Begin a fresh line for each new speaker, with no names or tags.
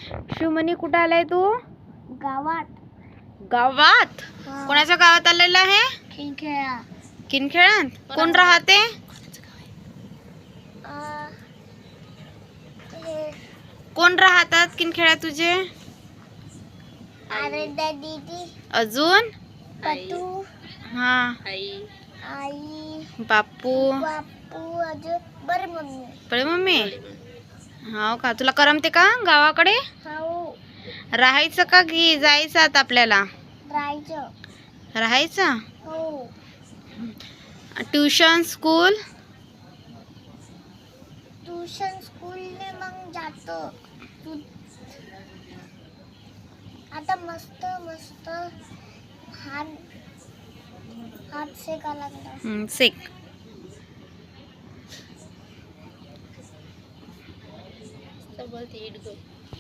शिवमणी कुठं आलाय तू?
गावात.
गावात?
हा.
कोणाच्या गावात आलेला आहे?
खेळा.
किनखेळात? कोण राहते? कोण राहतात किनखेळात तुझे?
आराध्या दीदी.
अजून?
पतू.
हा.
आई.
बापू.
बापू. अजून बरं मम्मी.
बरे मम्मी. हो का, तुला करमते का गावाकडे?
हो.
राहायचं का की जायचं आता आपल्याला?
राहायचं.
राहायचं?
हो.
Tuition school?
ट्यूशन स्कूलने मग जातो. आता मस्त मस्त हात शेका लागला.
सेक.
बोलते इट गो.